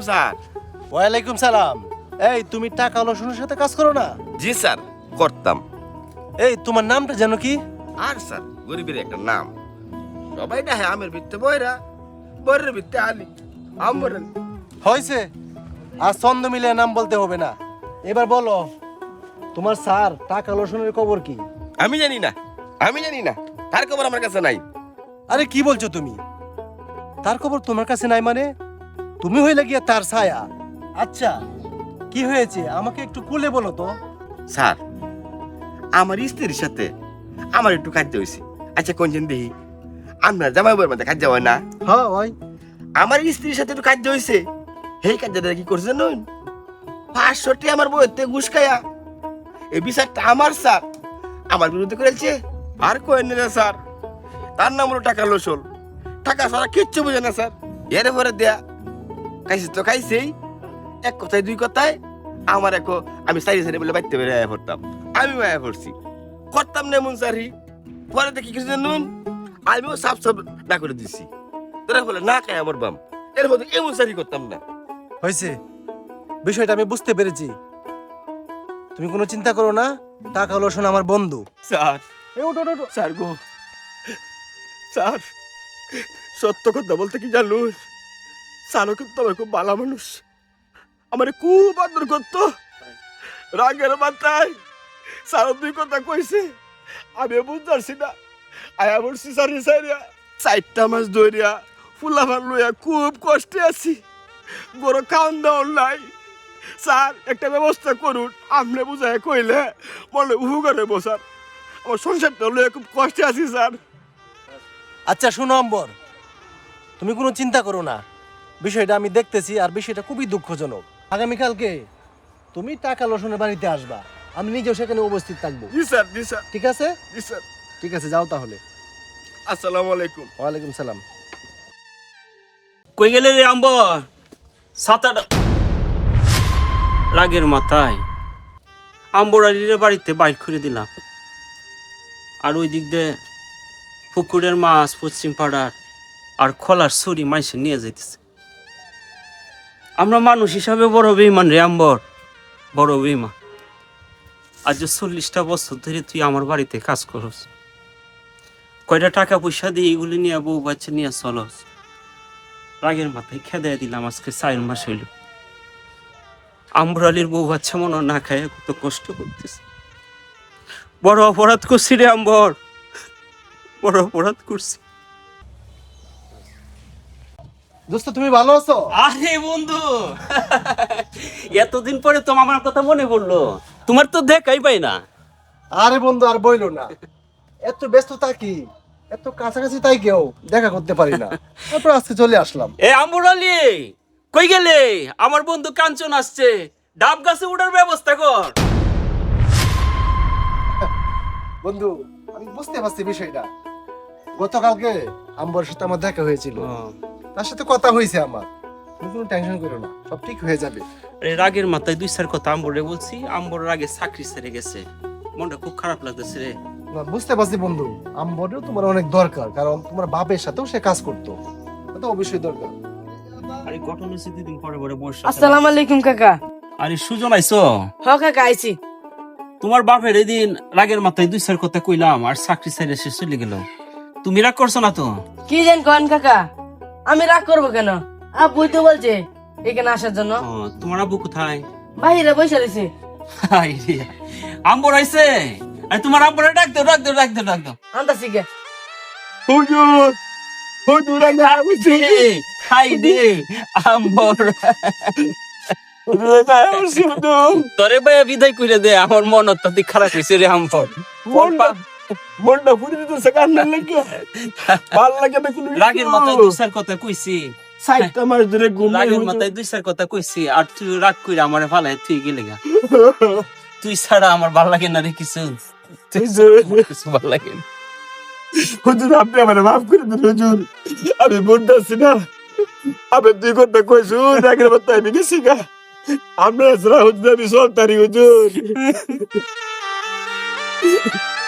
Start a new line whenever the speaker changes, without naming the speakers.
Sir.
ওয়ালাইকুম সালাম। এই তুমি টাকা লসুনের সাথে কাজ করো না?
জি স্যার, করতাম।
এই তোমার নামটা জানো কি?
আর স্যার গরিবের একটা নাম, সবাই ডাহে আমের ভিত্তে বয়রা, বয়রের ভিত্তে আলী, আমবরেন।
হয়েছে, আর ছন্দ মিলে নাম বলতে হবে না। এবার বলো, তোমার স্যার টাকা লসুনের খবর কি?
আমি জানি না, আমি জানি না, তার খবর আমার কাছে নাই।
আরে কি বলছো তুমি? তার খবর তোমার কাছে নাই মানে? তুমি হইলে গিয়া তার ছায়া। আচ্ছা, কি হয়েছে আমাকে একটু খুলে বলো তো।
স্যার, আমার স্ত্রীর সাথে আমার একটু কাজ হয়েছে। আচ্ছা কোনদিন দেখি আপনার জামাই বউয়ের মধ্যে কাজ হয় না?
হ্যাঁ ভাই।
আমার স্ত্রীর সাথে একটু কাজ হয়েছে। সেই কাজটা কি করছে জানুন? 500টি আমার বউয়ের ঘুষ খায়া এই বিচারটা আমার স্যার আমার বিরুদ্ধে করেছে। আর কয়েন না স্যার, তার নাম হলো টাকা লসল। টাকা সারা কিচ্ছু বোঝে না স্যার। এর পরে দেয়া খাইছে তো খাইছেই, এক কথায় দুই কথায় আমার আমি সাইডে সাইডে বলে বাইতে বেড়ে আয়া পড়তাম। আমি মায়া পড়ছি, করতাম না এমন স্যারই। পরে দেখি কিছু জানুন, আমিও সাফ সাফ না করে দিচ্ছি। তোরা বলে না খায় আমার বাম, এর মধ্যে এমন স্যারই করতাম না।
হয়েছে, বিষয়টা আমি বুঝতে পেরেছি। তুমি কোনো চিন্তা করো না, টাকা লসুন আমার বন্ধু।
স্যার,
এই ওঠো, ওঠো, ওঠো।
স্যার গো, স্যার সত্য কথা বলতে কি জানুন, স্যারও কিন্তু আমার খুব ভালো মানুষ, আমার খুব আদর করতো। রাগের মাথায় স্যার দুই কথা কইছে, আমি বুঝতে পারছি না। আয়া বলছি স্যারের সাইরিয়া 4টা মাস ধরিয়া ফুলাফার লইয়া খুব কষ্টে আছি, বড় খাওয়ান দাওয়ান নাই। স্যার একটা ব্যবস্থা করুন, আপনি বুঝায় কইলে বলে উপকার হইব স্যার। আমার সংসারটা লইয়া খুব কষ্টে আছি স্যার।
আচ্ছা শোনো অম্বর, তুমি কোনো চিন্তা করো না, বিষয়টা আমি দেখতেছি। আর বিষয়টা খুবই দুঃখজনক। আগামীকালকে তুমি টাকা লসুনের বাড়িতে আসবা, আমি নিজেও সেখানে উপস্থিত থাকবো।
জি স্যার, জি স্যার,
ঠিক আছে?
জি স্যার।
ঠিক আছে, যাও তাহলে।
আসসালামু আলাইকুম।
ওয়ালাইকুম সালাম।
কই গেলে রে আম্বর? সাতাটা রাগের মাথায় আম্বরালির বাড়িতে বাইর করে দিলাম। আর ওই দিক দিয়ে পুকুরের মাছ, পশ্চিম পাড়ার আর খোলার ছুরি মাইসে নিয়ে যাইতেছে। আমরা মানুষ হিসাবে বড় বেইমান রে আম্বর, বড় বেইমান। আজ 40টা বছর ধরে তুই আমার বাড়িতে কাজ করস, কয়টা টাকা পয়সা দিয়ে এগুলি নিয়ে বউ বাচ্চা নিয়ে চলস। রাগের মাথায় খেদে দিলাম, আজকে 4 মাস হইল। আম্বরালির বউ বাচ্চা মনে না খায় কত কষ্ট করতেছে। বড় অপরাধ করছি রে আম্বর, বড় অপরাধ করছি।
দোস্ত তুমি ভালো আছো?
আরে বন্ধু, এতদিন পরে তো আমার কথা মনে পড়লো। তোমার তো দেখাই পাই না।
আরে বন্ধু আর বইলো না, এত ব্যস্ততা কি, এত কাছাকাছি তাই কেউ দেখা করতে পারি না। তারপর আজকে চলে আসলাম।
এ আম্বরালি, কই গেলে? আমার বন্ধু কাঞ্চন আসছে, ডাব গাছে উঠার ব্যবস্থা কর।
বন্ধু আমি বুঝতে পারছি বিষয়টা। গতকালকে আম্বরের সাথে আমার দেখা হয়েছিল, তার সাথে কথা হয়েছে আমার। তুমি কোনো টেনশন করো না, সব ঠিক হয়ে যাবে।
আরে রাগের মাথায় 2-4 কথা আম্বরে বলছি, আম্বর রাগে চাকরি ছেড়ে গেছে। মনটা খুব খারাপ লাগতেছে রে।
না, বুঝতে পারছি বন্ধু, আম্বরেও তোমার অনেক দরকার, কারণ তোমার বাপের সাথেও সে কাজ করতো, তো অবশ্যই দরকার।
আরে ঘটনা হচ্ছে 2 দিন পরে পরে বর্ষা।
আসসালামু আলাইকুম কাকা।
আরে সুজন আইছো?
হ কাকা আইছি।
তোমার বাপের এদিন রাগের মাথায় 2-4 কথা কইলাম আর চাকরি ছেড়ে সে চলে গেল। তুমি রাগ করছো না তো?
কি জান কোন কাকা, আমি রাগ করবো কেন? আব্বুই তো বলছে এখানে আসার জন্য।
তোমার আব্বু কোথায়?
বাহিরে বসে রয়েছে।
আম্বর আইছে, আরে তোমার আব্বুরে ডাক দাও, ডাক দাও, ডাক দাও, ডাক দাও।
আনতাছি গে।
হুজুর, হুজুর আমি আসছি।
হাই দে আম্বর,
হুজুর আমি আসছি হুজুর।
তোরে ভাই বিদায় কইরা দে, আমার মন অত্যধিক খারাপ হইছে রে আম্বর।
মনটা ফুটে দিতেছে কান্নার লাগে, ভাল লাগে না কোনো।
রাগের মাথায় 2-4 কথা কইছি,
4টা মাস ধরে ঘুম নাই
রাগের
হুজুর।
মাথায় 2-4 কথা কইছি, আর তুই রাগ কইরা আমারে ফালায় তুই গেলে গা। তুই ছাড়া আমার ভাল লাগে না রে কিছু, কিছু ভাল লাগে না।
হুজুর আপনি আমার মাফ করে দিন হুজুর, আমি বুঝতেছি না। আমি 2 কথা কইছি, রাগের মাথায় আমি গেছি গা। আপনার ছাড়া হুজুর আমি চলতারি হুজুর।